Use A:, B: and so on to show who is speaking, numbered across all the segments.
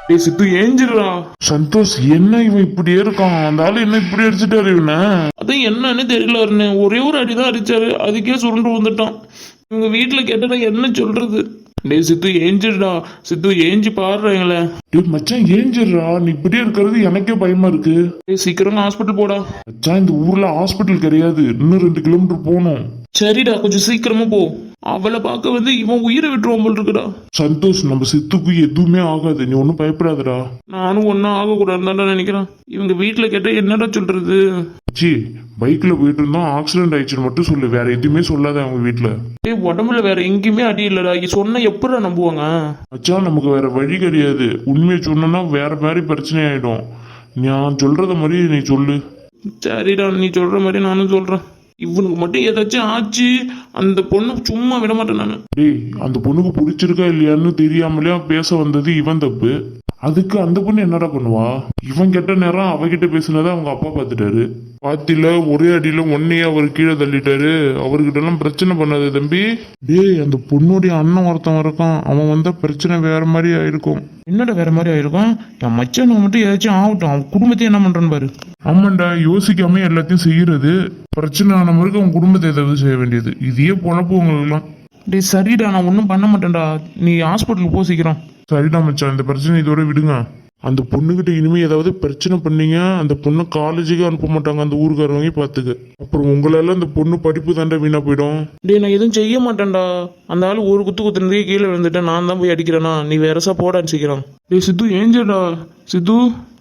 A: டேய் சித்து ஏஞ்சிடுறா. சந்தோஷ் என்ன இவன் இப்படியே இருக்கான்? அந்த ஆளு என்ன இப்படி அடிச்சுட்டாரு இவனை? அதான் என்னன்னு தெரியல அருண். ஒரே ஒரு அடிதான் அடிச்சாரு, அதுக்கே சுருண்டு வந்துட்டான். இவங்க வீட்டுல கேட்டா என்ன சொல்றது? டேய் சித்து ஏஞ்சிடுடா. சித்து ஏஞ்சி பாடுறாங்களே. டேய் மச்சான் ஏஞ்சிடுறா. நீ இப்படியே இருக்கிறது எனக்கே பயமா இருக்கு. டேய் சீக்கிரம் ஹாஸ்பிட்டல் போடா. மச்சான் இந்த ஊர்ல ஹாஸ்பிட்டல் கிடையாது, இன்னும் 2 கிலோமீட்டர் போகணும். சரிடா கொஞ்சம் சீக்கிரமா போ. அவளை பார்க்க வந்து இவன் உயிரை விட்டுருவான் போல் இருக்குடா. சந்தோஷ் நம்ம சித்துக்கு எதுவுமே ஆகாது, நீ ஒன்னும் பயப்படாதடா. நானும் ஒன்னும் ஆகக்கூடாதுன்னு நினைக்கிறேன். இவங்க வீட்டுல கேட்டா என்னடா சொல்றது? சி பைக்ல போயிட்டு இருந்தோம், ஆக்சிடென்ட் ஆயிடுச்சுன்னு மட்டும் சொல்லு, வேற எதுவுமே சொல்லாத அவங்க வீட்டுல. டேய் உடம்புல வேற எங்கேயுமே அடி இல்லடா, சொன்ன எப்படா நம்புவாங்க? மச்சான் நமக்கு வேற வழி கிடையாது, உண்மையை சொன்னா வேற மாதிரி பிரச்சனை ஆயிடும். நான் சொல்றத மாதிரி நீ சொல்லு. சரிடா நீ சொல்ற மாதிரி நானும் சொல்றேன். இவனுக்கு மட்டும் ஏதாச்சும் ஆச்சு, அந்த பொண்ணு சும்மா விட மாட்டேன் நானு. டேய் அந்த பொண்ணுக்கு பிடிச்சிருக்கா இல்லையான்னு தெரியாமலே பேச வந்தது இவன் தப்பு. அதுக்கு அந்த பொண்ணு என்னடா பண்ணுவா? இவன் கெட்ட நேரம் அவகிட்ட பேசுனதை அவங்க அப்பா பார்த்துட்டாரு. பாத்தில ஒரே அடியில ஒன்னையே அவர் கீழே தள்ளிட்டாரு. அவர்கிட்ட எல்லாம் பிரச்சனை பண்ணாது தம்பி. டேய் அந்த பொண்ணுடைய அண்ணன் ஒருத்தன் இருக்கான், அவன் வந்தா பிரச்சனை வேற மாதிரி ஆயிருக்கும். என்னடா வேற மாதிரி ஆயிருக்கும்? என் மச்சானுக்கு மட்டும் ஏதாச்சும் ஆகட்டும், அவன் குடும்பத்தை என்ன பண்றான்னு பாரு. ஆமாண்டா யோசிக்காம எல்லாத்தையும் செய்யறது. பிரச்சனை ஆன மாதிரி அவன் குடும்பத்தை ஏதாவது செய்ய வேண்டியது. இதையே பொழப்பு உங்களுக்குலாம். டேய் சரிடா நான் ஒன்றும் பண்ண மாட்டேன்டா, நீ ஹாஸ்பிட்டலுக்கு போ சீக்கிரம். சரிடா மச்சான் இந்த பிரச்சனை இதோட விடுங்க. அந்த பொண்ணுகிட்ட இனிமே ஏதாவது பிரச்சனை பண்ணீங்க, அந்த பொண்ணை காலேஜுக்கு அனுப்ப மாட்டாங்க அந்த ஊருக்காரவங்க பார்த்துக்க. அப்புறம் உங்களால அந்த பொண்ணு படிப்பு தாண்டா வீணா போயிடும். டேய் நான் எதுவும் செய்ய மாட்டேன்டா, அந்த ஆள் ஒரு குத்து குத்துனதே கீழே விழுந்துட்டேன், நான் தான் போய் அடிக்கிறேனா? நீ வேறசா போடான்னு சீக்கிரம். டேய் சித்து ஏஞ்சடா. சித்து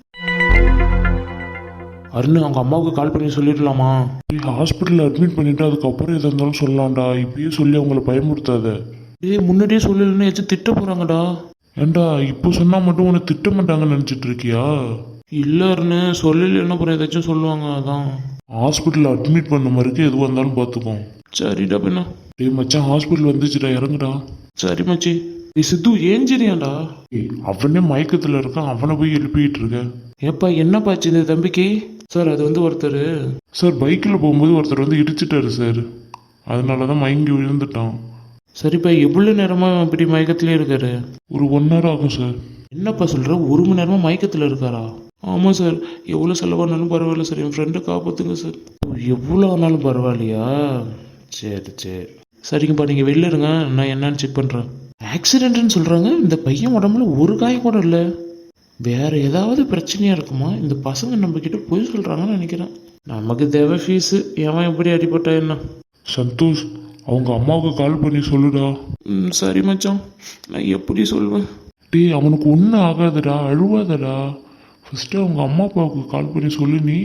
A: அருண் அவங்க அம்மாவுக்கு கால் பண்ணி சொல்லிடலாமா? ஹாஸ்பிட்டலில் அட்மிட் பண்ணிட்டு அதுக்கப்புறம் எதாக இருந்தாலும் சொல்லலாம்டா, இப்பயே சொல்லி அவங்கள பயமுறுத்தாத. டேய் முன்னாடியே சொல்லலன்னு ஏதாச்சும் திட்ட போறாங்கடா. ஏண்டா இப்போ சொன்னா மட்டும் உன்னை திட்ட மாட்டாங்கன்னு நினைச்சிட்டு இருக்கியா? இல்லன்னு சொல்லலன்னு அப்புறம் ஏதாச்சும் சொல்லுவாங்க, அதான். ஹாஸ்பிட்டலில் அட்மிட் பண்ண மாதிரி எதுவாக இருந்தாலும் பார்த்துக்கோ. சரிடா பின்ன. டேய் மச்சான் ஹாஸ்பிட்டல் வந்துச்சுடா, இறங்குடா. சரி மச்சி. நீ சித்து ஏஞ்சிரியாண்டா. அவனே மயக்கத்தில் இருக்கான், அவனை போய் எழுப்பிட்டு இருக்க. ஏப்பா என்னப்பாச்சு இந்த தம்பிக்கு? சார் அது வந்து ஒருத்தர் சார் பைக்கில் போகும்போது ஒருத்தர் வந்து இடிச்சிட்டாரு சார், அதனால தான் மயங்கி விழுந்துட்டான். சரிப்பா எவ்வளோ நேரமாக இப்படி மயக்கத்திலே இருக்காரு? ஒரு 1 hour ஆகும் சார். என்னப்பா சொல்கிற, 1 மணி நேரமாக மயக்கத்தில் இருக்காரா? ஆமாம் சார். எவ்வளோ செலவானாலும் பரவாயில்ல சார், என் ஃப்ரெண்டை காப்பாற்றுங்க சார். எவ்வளோ ஆனாலும் பரவாயில்லையா? சரி சரி சரிங்கப்பா நீங்கள் வெளில இருங்க, நான் என்னன்னு செக் பண்ணுறேன். ஆக்சிடென்ட்னு சொல்கிறாங்க, இந்த பையன் உடம்புல ஒரு காயம் கூட இல்லை. வேற ஏதாவது பிரச்சனையாக இருக்குமா? இந்த பசங்க நம்மக்கிட்ட போய் சொல்கிறாங்கன்னு நினைக்கிறேன். நமக்கு தேவை ஃபீஸு, ஏன் எப்படி அடிபட்டா என்ன? சந்தோஷ் அவங்க அம்மாவுக்கு கால் பண்ணி சொல்லுடா. சரி மச்சான், நான் எப்படி சொல்லுவேன்? டேய் அவனுக்கு ஒன்றும் ஆகாதடா, அழுவாதடா. ஃபஸ்ட்டு அவங்க அம்மா அப்பாவுக்கு கால் பண்ணி சொல்லு நீ.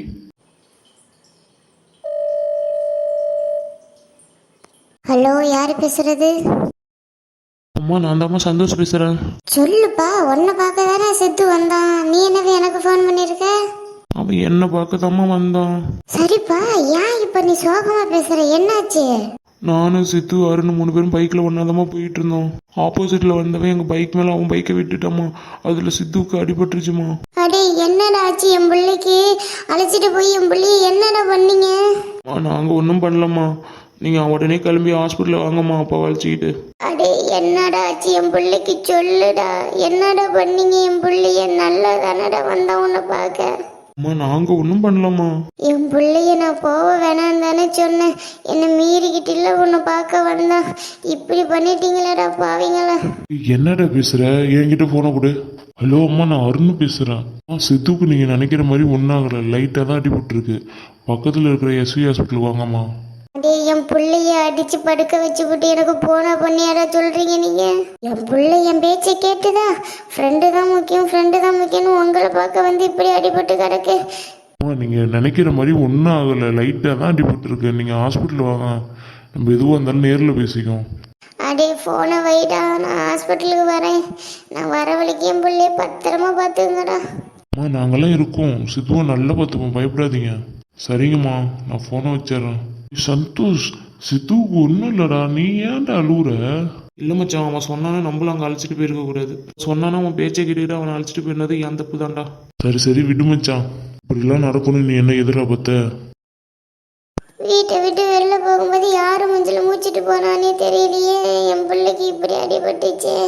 B: ஹலோ யார் பேசுறது?
A: அம்மா நான் தாம்மா சந்தோஷ் பேசுகிறேன்.
B: சொல்லுப்பா, உன்னை பார்க்க தானே சித்து வந்தான், நீ என்னது எனக்கு ஃபோன் பண்ணியிருக்க?
A: அவன் என்ன பார்க்க தாம்மா வந்தான்.
B: சரிப்பா, ஏன் இப்போ நீ சோகமா பேசுற, என்னாச்சு?
A: நானும் சித்து அருண் 3 பேரும் பைக்கில் ஒன்றாதமா போயிட்டு இருந்தோம். ஆப்போசிட்டில் வந்தவன் எங்கள் பைக் மேலே அவன் பைக்கை விட்டுட்டாமா, அதில் சித்துவுக்கு அடிபட்டுருச்சுமா.
B: அடே என்னடா ஆச்சு என் பிள்ளைக்கு? அழைச்சிட்டு போய் என் பிள்ளைய என்னடா பண்ணீங்க?
A: நாங்கள் ஒன்றும் பண்ணலம்மா, நீங்கள் உடனே கிளம்பி ஹாஸ்பிட்டலில் வாங்கம்மா அப்பா வளைச்சிக்கிட்டு.
B: அடே என்னடா ஆச்சு என் பிள்ளைக்கு, சொல்லுடா என்னடா பண்ணீங்க? என் பிள்ளைய நல்லா தானடா வந்தான் உன்னை பார்க்க.
A: அம்மா நாங்கள் ஒன்றும் பண்ணலம்மா.
B: என் பிள்ளைய நான் போக வேணான்னு தானே சொன்னேன், என்னை மீறிக்கிட்டில்ல உன்னை பார்க்க வந்தான், இப்படி பண்ணிட்டீங்களேடா பாவீங்களா.
A: என்னடா பேசுற? என்கிட்ட போன கொடு. ஹலோ அம்மா நான் அருண் பேசுகிறேன். சித்துக்கு நீங்கள் நினைக்கிற மாதிரி ஒன்றாகலை, லைட்டாக தான் அடிபட்டுருக்கு. பக்கத்தில் இருக்கிற எஸ்வி ஹாஸ்பிட்டல் வாங்கம்மா.
B: அடே என் பிள்ளைய அடிச்சு படுக்க வச்சு விட்டு எனக்கு போனா பண்ணியாரா சொல்றீங்க நீங்க? என் பிள்ளை என் பேச்சை கேட்டுதா? ஃப்ரெண்டு தான் முக்கியம், ஃப்ரெண்டு தான் முக்கியம்னு உங்களை பார்க்க வந்து இப்படி அடிபட்டு கிடக்கு.
A: நீங்கள் நினைக்கிற மாதிரி ஒன்றும் ஆகலை, லைட்டாக தான் அடிபட்டுருக்கு. நீங்கள் ஹாஸ்பிட்டல் வாங்க, நம்ம எதுவாக இருந்தாலும் நேரில் பேசிக்கோம்.
B: அடே ஃபோனை வைடா, நான் ஹாஸ்பிட்டலுக்கு வரேன். நான் வர வழிக்கு என் பிள்ளைய பத்திரமா பார்த்துங்கடா.
A: அம்மா நாங்களாம் இருக்கோம், சித்துவை நல்லா பார்த்துப்போம், பயப்படாதீங்க. சரிங்கம்மா நான் ஃபோனை வச்சிடறேன். சந்தோஷ் சித்துவுக்கு ஒன்றும் இல்லைடா, நீ ஏன்டா அழுவுற? இல்லை மச்சான் அவன் சொன்னானே நம்மளும் அங்கே அழைச்சிட்டு போயிருக்க கூடாது. சொன்னானே அவன் பேச்சை கேட்டுக்கிட்டு அவனை அழைச்சிட்டு போயிருந்தது என் தப்பு தான்டா. சரி சரி விடு மச்சான், இப்படிலாம் நடக்கணும் நீ என்ன எதிர்பார்த்த?
B: வீட்டை விட்டு வெளில போகும்போது யாரும் மஞ்சள் மூச்சிட்டு போனானே தெரியலையே, என் பிள்ளைக்கு இப்படி அடிபட்டுச்சு.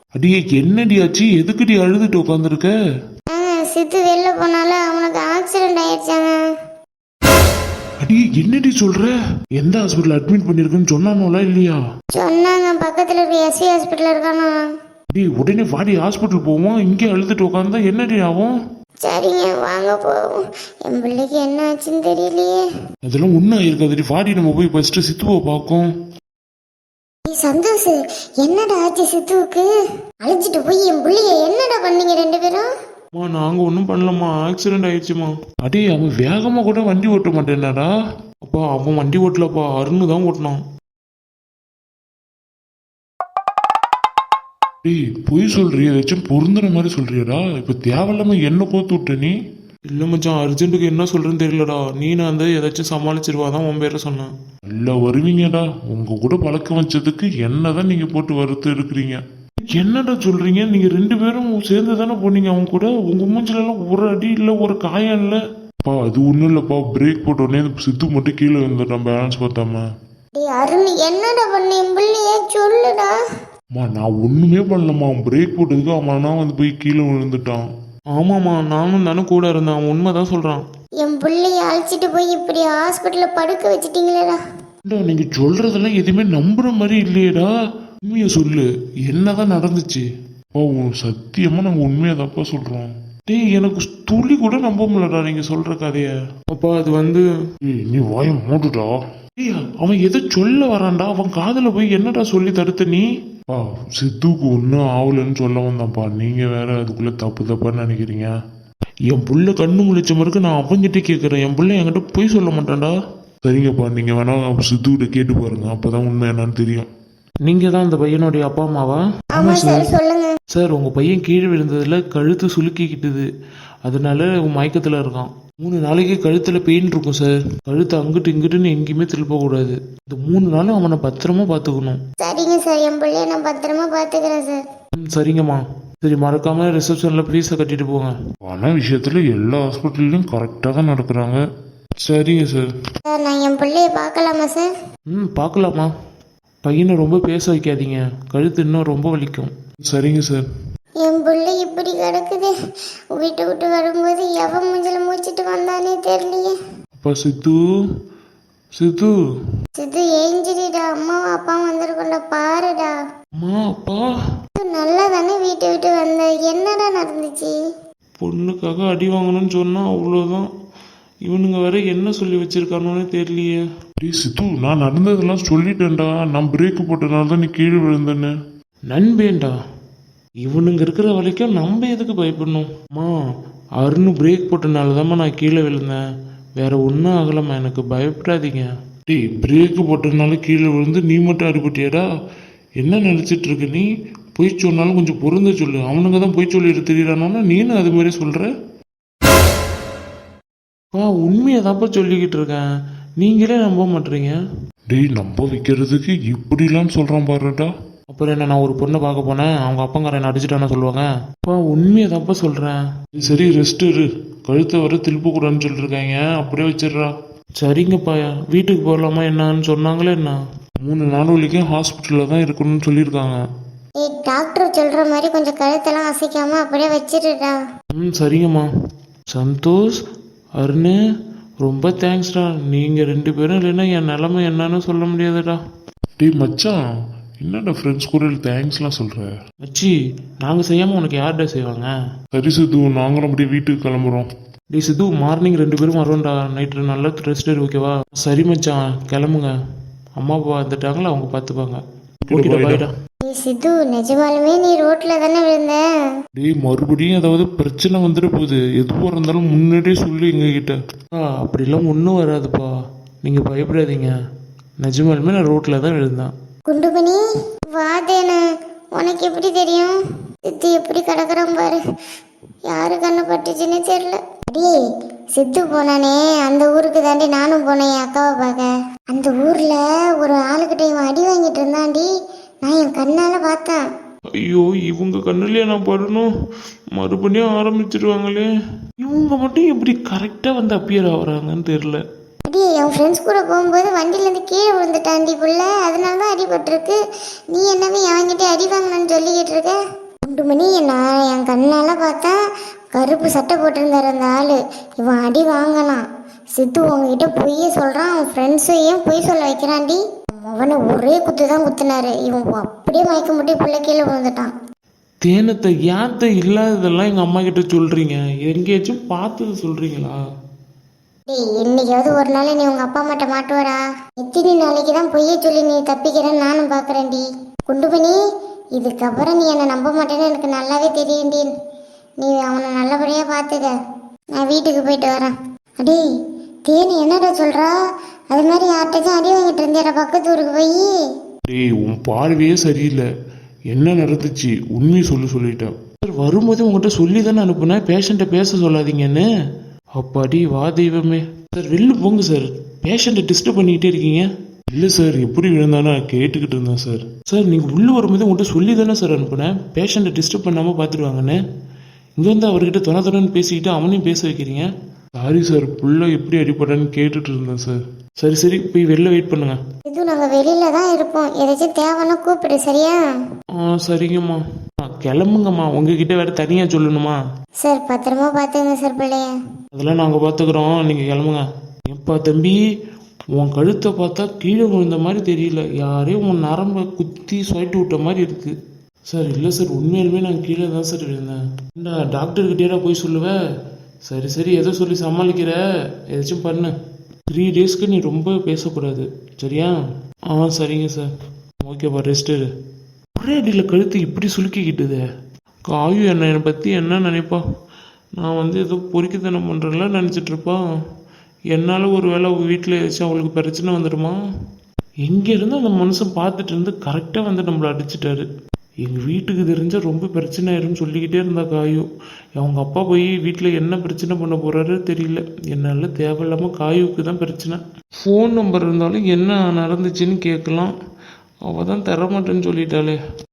A: அடியே என்னடி ஆச்சு? எதுக்குடி அழுதுட்டு உட்காந்துருக்க?
B: சித்து வெளில போனால அவனுக்கு ஆக்சிடென்ட் ஆயிடுச்சாங்க.
A: அடியே என்னடி சொல்ற? எந்த ஹாஸ்பிட்டல் அட்மிட் பண்ணிருக்குன்னு சொன்னானோல இல்லையா?
B: சொன்னாங்க, பக்கத்துல இருக்க எஸ்வி ஹாஸ்பிட்டல் இருக்கானா.
A: அடி உடனே வாடி ஹாஸ்பிட்டல் போவோம். இங்கே அழுதுட்டு உட்காந்தா என்னடி ஆகும்?
B: சரிங்க, வாங்க போவோம். என் பிள்ளைக்கு என்ன ஆச்சுன்னு தெரியலையே.
A: அதெல்லாம் ஒன்றும் ஆயிருக்காதுடி. வாடி நம்ம போய் ஃபர்ஸ்ட் சித்துவை பார்க்கும்.
B: சந்தோஷ், என்னடா ஆச்சு சித்துவுக்கு? அழைச்சிட்டு போய் என் பிள்ளைய என்னடா பண்ணீங்க ரெண்டு பேரும்?
A: நாங்க ஒன்றும் பண்ணலம்மா, ஆக்சிடென்ட் ஆயிடுச்சுமா. அடே அவன் வேகமா கூட வண்டி ஓட்ட மாட்டேன்னாடா. அப்பா அவன் வண்டி ஓட்டலப்பா, அருண் தான் ஓட்டினான். டேய் பொய் சொல்றிய, ஏதாச்சும் பொருந்துற மாதிரி சொல்றியடா. இப்ப தேவையில்லாம என்ன கோத்து விட்ட நீ? இல்ல மச்சான், அர்ஜென்ட்டுக்கு என்ன சொல்றேன்னு தெரியலடா. நீ நான் ஏதாச்சும் சமாளிச்சிருவாதான் உன் பேரை சொன்னேன். இல்ல வருவீங்கடா. உங்க கூட பழக்கம் வச்சதுக்கு என்னதான் நீங்க போட்டு வறுத்து இருக்கிறீங்க. என்னடா சொல்றீங்க? நீங்க ரெண்டு பேரும் சேர்ந்து தானே போனீங்க அவங்க கூட. உங்க மூஞ்சில எல்லாம் ஒரு அடி இல்ல, ஒரு காயம் இல்ல. பா அது ஒண்ணும் இல்லப்பா, பிரேக் போட்ட உடனே சித்து மட்டும் கீழே வந்துட்டான் பேலன்ஸ் பார்த்தாம.
B: அருண் என்னடா பண்ண என் பிள்ளைய சொல்லுடா.
A: நான் ஒண்ணுமே பண்ணலம்மா. அவன் பிரேக் போட்டதுக்கு அவனா போய் கீழே விழுந்துட்டான். ஆமாம்மா, நானும் தானே கூட இருந்தேன். அவன் உண்மைதான் சொல்றான்.
B: என் பிள்ளைய அழைச்சிட்டு போய் இப்படி ஹாஸ்பிட்டல்ல படுக்க வச்சிட்டீங்களேடா.
A: நீங்க சொல்றதெல்லாம் எதுவுமே நம்புற மாதிரி இல்லையேடா. உண்மைய சொல்லு, என்னதான் நடந்துச்சு? சத்தியமா நாங்க உண்மையதாப்பா சொல்றோம். டேய் எனக்கு துளி கூட நம்ப முடியலடா நீங்க சொல்ற கதைய. அப்பா அது நீ வாய மூடுடா. அவன் எதை சொல்ல வரான்டா. அவன் காதுல போய் என்னடா சொல்லி தடுத்த நீ? சித்துக்கு ஒன்றும் ஆகலன்னு சொல்ல வந்தான்ப்பா. நீங்க வேற அதுக்குள்ள தப்பு தப்பான்னு நினைக்கிறீங்க. என் புள்ள கண்ணு முழிச்ச மாதிரி நான் அவன்கிட்ட கேட்கறேன். என் புள்ள என்கிட்ட போய் சொல்ல மாட்டான்டா. சரிங்கப்பா, நீங்க வேணா சித்துக்கிட்ட கேட்டு பாருங்க, அப்பதான் உண்மை என்னன்னு தெரியும். நீங்க தான் அந்த பையனுடைய அப்பா அம்மாவா?
B: ஆமா சார், சொல்லுங்க
A: சார். உங்க பையன் கீழே விழுந்ததுல கழுத்து சுலுக்கிக்கிட்டுது, அதனால மயக்கத்துல இருக்கான். 3 நாளைக்கு கழுத்துல பெயின் இருக்கும் சார். கழுத்து அங்கிட்டு இங்கிட்டுன்னு எங்கேயுமே திருப்ப கூடாது. இந்த 3 நாளும் அவனை பத்திரமா பாத்துக்கணும்.
B: சரிங்க சார், என் பிள்ளைய நான் பத்திரமா பாத்துக்கிறேன் சார்.
A: சரிங்கம்மா. சரி, மறக்காம ரிசப்ஷன்ல ப்ளீஸை கட்டிட்டு போங்க. பண விஷயத்துல எல்லா ஹாஸ்பிட்டல்லையும் கரெக்டா தான் நடக்கிறாங்க. சரிங்க சார்.
B: சார் நான் என் பிள்ளைய பார்க்கலாமா சார்?
A: பார்க்கலாமா. பையனை ரொம்ப பேச வைக்காதீங்க, கழுத்து இன்னும் ரொம்ப வலிக்கும். சரிங்க சார்.
B: என் பிள்ளை இப்படி கிடக்குது. வீட்டை விட்டு வரும்போது எவன் மூஞ்சில மூச்சிட்டு வந்தானே தெரியலையே.
A: அப்பா சித்து, சித்து
B: சித்து ஏஞ்சிரிடா. அம்மாவும் அப்பாவும் வந்திருக்கோம்டா, பாருடா.
A: அம்மா அப்பா.
B: நல்லா தானே வீட்டை விட்டு வந்த, என்னடா நடந்துச்சு?
A: பொண்ணுக்காக அடி வாங்கணும்னு சொன்னா அவ்வளோதான். இவனுங்க வேற என்ன சொல்லி வச்சிருக்கானோன்னு தெரியலையே. சித்து நான் நடந்ததெல்லாம் சொல்லிட்டேன்டா. நான் பிரேக் போட்டனால தான் நீ கீழே விழுந்தேன்னு. நண்பேண்டா, இவனுங்க இருக்கிற வரைக்கும் நம்ம எதுக்கு பயப்படணும்? அம்மா அருண் பிரேக் போட்டனால தான்மா நான் கீழே விழுந்தேன், வேற ஒன்றும் ஆகலம்மா, எனக்கு பயப்படாதீங்க. டேய் பிரேக் போட்டனால கீழே விழுந்து நீ மட்டும் அடிபட்டியாடா? என்ன நினச்சிட்டு இருக்க நீ? பொய் சொன்னாலும் கொஞ்சம் பொருந்த சொல்லு. அவனுங்க தான் பொய் சொல்லிட்டு தெரியுறானோன்னா நீனும் அது மாதிரி சொல்ற. உண்மையை தான்ப்பா சொல்லிக்கிட்டு இருக்கேன், நீங்களே நம்ப மாட்டீங்க. டேய் நம்ப வைக்கிறதுக்கு இப்படிலாம் சொல்றான் பாருடா. அப்புறம் என்ன, நான் ஒரு பொண்ணை பார்க்க போனேன், அவங்க அப்பங்கார என்ன அடிச்சுட்டான்னு சொல்லுவாங்க. உண்மையை தான்ப்பா சொல்றேன். சரி ரெஸ்ட் இரு, கழுத்தை வர திருப்ப கூடாதுன்னு சொல்லிருக்காங்க, அப்படியே வச்சிடுறா. சரிங்கப்பா, வீட்டுக்கு போகலாமா என்னன்னு சொன்னாங்களே என்ன? 3 நாள் வரைக்கும் ஹாஸ்பிட்டலில் தான் இருக்கணும்னு சொல்லியிருக்காங்க.
B: டாக்டர் சொல்ற மாதிரி கொஞ்சம் கழுத்தெல்லாம் அசைக்காம அப்படியே வச்சிருடா.
A: சரிங்கம்மா. சந்தோஷ், அருண், ரொம்ப தேங்க்ஸ்டா. நீங்க 2 பேரும் இல்லைன்னா என் நிலைமை என்னன்னு சொல்ல முடியாதுடா. டேய் மச்சான், என்னடா ஃப்ரெண்ட்ஸ் கூட தேங்க்ஸ்லாம் சொல்ற? மச்சி, நாங்க செய்யாம உனக்கு யார்டா செய்வாங்க? சரி சித்து, நாங்களும் அப்படியே வீட்டுக்கு கிளம்புறோம். டேய் சித்து, மார்னிங் 2 பேரும் வரோம்டா. நைட்டு நல்லா ரெஸ்ட் எடு, ஓகேவா? சரி மச்சான், கிளம்புங்க. அம்மா அப்பா வந்துட்டாங்களா, அவங்க பார்த்துப்பாங்க. பாய்டா.
B: சித்து, நிஜமாலுமே நீ ரோட்ல தானே விழுந்த?
A: டேய் மறுபடியும் ஏதாவது பிரச்சனை வந்துட போகுது, எதுவாக இருந்தாலும் முன்னாடியே சொல்லி எங்ககிட்ட. அப்படிலாம் ஒன்றும் வராதுப்பா, நீங்க பயப்படாதீங்க. நிஜமாலுமே நான் ரோட்ல தான் விழுந்தேன்.
B: குண்டுபனி வாதேன, உனக்கு எப்படி தெரியும்? சித்து எப்படி கிடக்குறான் பாரு, யாரு கண்ணு பட்டுச்சுன்னு தெரியல. அடியே சித்து போனானே அந்த ஊருக்கு தாண்டி நானும் போனேன் என் அக்காவை பார்க்க. அந்த ஊர்ல ஒரு ஆளுகிட்ட இவன் அடி வாங்கிட்டு இருந்தாண்டி, நான் என் கண்ணால பார்த்தேன். ஐயோ, இவங்க கண்ணுலயே நான் படணும். மறுபடியும் ஆரம்பிச்சிருவாங்களே. இவங்க மட்டும் எப்படி கரெக்டா வந்து அப்பியர் ஆகுறாங்கன்னு தெரியல. அடி, என் ஃப்ரெண்ட்ஸ் கூட போகும்போது வண்டியிலேருந்து கீழே விழுந்துட்டாண்டி புள்ள, அதனால தான் அடிபட்டிருக்கு. நீ என்னவே அவன்கிட்ட அடி வாங்கணும்னு சொல்லிக்கிட்டு இருக்க. குண்டுமணி நான் என் கண்ணால பார்த்தா கருப்பு சட்டை போட்டிருந்தாரு அந்த ஆளு. இவன் அடி வாங்கலாம். சித்து உங்ககிட்ட பொய்ய சொல்றான். அவன் ஃப்ரெண்ட்ஸையும் பொய் சொல்ல வைக்கிறான்டி. அவனை ஒரே குத்து தான் குத்துனாரு. இவன் அப்படியே மயக்க முட்டி பிள்ளை கீழே விழுந்துட்டான்.
A: தேனத்தை யாத்த இல்லாததெல்லாம் எங்க அம்மா கிட்ட சொல்றீங்க, எங்கேயாச்சும் பார்த்தது சொல்றீங்களா?
B: டேய், என்னைக்காவது ஒரு நாள் நீ உங்க அப்பா அம்மாட்ட மாட்டுவாடா. எத்தனை நாளைக்கு தான் பொய்ய சொல்லி நீ தப்பிக்கிறேன்னு நானும் பாக்குறேன்டி. குண்டுமணி, இதுக்கப்புறம் நீ என்னை நம்ப மாட்டேன்னு எனக்கு நல்லாவே தெரியும்டி. நீ அவனை நல்லபடியா பார்த்துக்க. நான் வீட்டுக்கு போயிட்டு வரேன். அடே தேனி, என்னடா சொல்றா? அது மாதிரி யார்கிட்டச்சும் அடி வாங்கிட்டு இருந்தேடா பக்கத்து ஊருக்கு போய்.
A: டேய், உன் பார்வையே சரியில்லை. என்ன நடந்துச்சு உண்மையை சொல்லிட்டேன் சார். வரும்போது உங்கள்கிட்ட சொல்லி தானே அனுப்புனேன் பேஷண்ட்டை பேச சொல்லாதீங்கன்னு. அப்பாடி வா தெய்வமே. சார் வெளில போங்க சார், பேஷண்ட்டை டிஸ்டர்ப் பண்ணிக்கிட்டே இருக்கீங்க. இல்லை சார், எப்படி விழுந்தானா கேட்டுக்கிட்டு இருந்தேன் சார். சார் நீங்கள் உள்ளே வரும்போது உங்கள்கிட்ட சொல்லி தானே சார் அனுப்புனேன் பேஷண்ட்டை டிஸ்டர்ப் பண்ணாமல் பார்த்துருவாங்கன்னு. இங்கே வந்து அவர்கிட்ட தொணன்னு பேசிக்கிட்டு அவனையும் பேச வைக்கிறீங்க. சாரி சார், புள்ள எப்படி அடிப்படான்னு கேட்டுட்டு இருந்தேன் சார். சரி போய் வெளில வெயிட் பண்ணுங்க.
B: இது நாங்க வெளியில தான் இருப்போம். ஏதாச்சும் தேவைன்னா கூப்பிடு, சரியா?
A: சரிங்கம்மா. கிளம்புங்கம்மா, உங்ககிட்ட வேற தனியா சொல்லணுமா?
B: சார் பத்திரமா பார்த்துங்க சார் பிள்ளைய.
A: அதெல்லாம் நாங்கள் பார்த்துக்குறோம், நீங்கள் கிளம்புங்க. எப்பா தம்பி, உன் கழுத்தை பார்த்தா கீழே விழுந்த மாதிரி தெரியல, யாரையும் உன் நரம்பை குத்தி சொயிட்டு விட்ட மாதிரி இருக்கு. சார் இல்லை சார், உண்மையிலுமே நான் கீழே தான் சார் விழுந்தேன். ஏண்டா டாக்டர்கிட்டேடா போய் சொல்லுவேன்? சரி ஏதோ சொல்லி சமாளிக்கிற, ஏதாச்சும் பண்ணு. 3 டேஸ்க்கு நீ ரொம்ப பேசக்கூடாது, சரியா? சரிங்க சார். ஓகேப்பா, ரெஸ்ட் எடு. ஒரே அடியில் கழுத்து இப்படி சுலுக்கிக்கிட்டுதே. காயு என்னை பற்றி என்ன நினைப்பா? நான் ஏதோ பொறுக்கித்தனம் பண்ணுறேன்ல நினச்சிட்ருப்பா. என்னால் ஒரு வேளை வீட்டில் ஏதாச்சும் அவளுக்கு பிரச்சனை வந்துடுமா? எங்கேருந்து அந்த மனுஷன் பார்த்துட்டு இருந்து கரெக்டாக நம்மளை அடிச்சிட்டாரு. எங்கள் வீட்டுக்கு தெரிஞ்சால் ரொம்ப பிரச்சனை ஆயிரும்னு சொல்லிக்கிட்டே இருந்தா காயு. அவங்க அப்பா போய் வீட்டில் என்ன பிரச்சனை பண்ண போகிறாரு தெரியல. என்னால் தேவையில்லாமல் காயுக்கு தான் பிரச்சனை. ஃபோன் நம்பர் இருந்தாலும் என்ன நடந்துச்சுன்னு கேட்கலாம். அவள் தான் தரமாட்டேன்னு சொல்லிட்டாளே.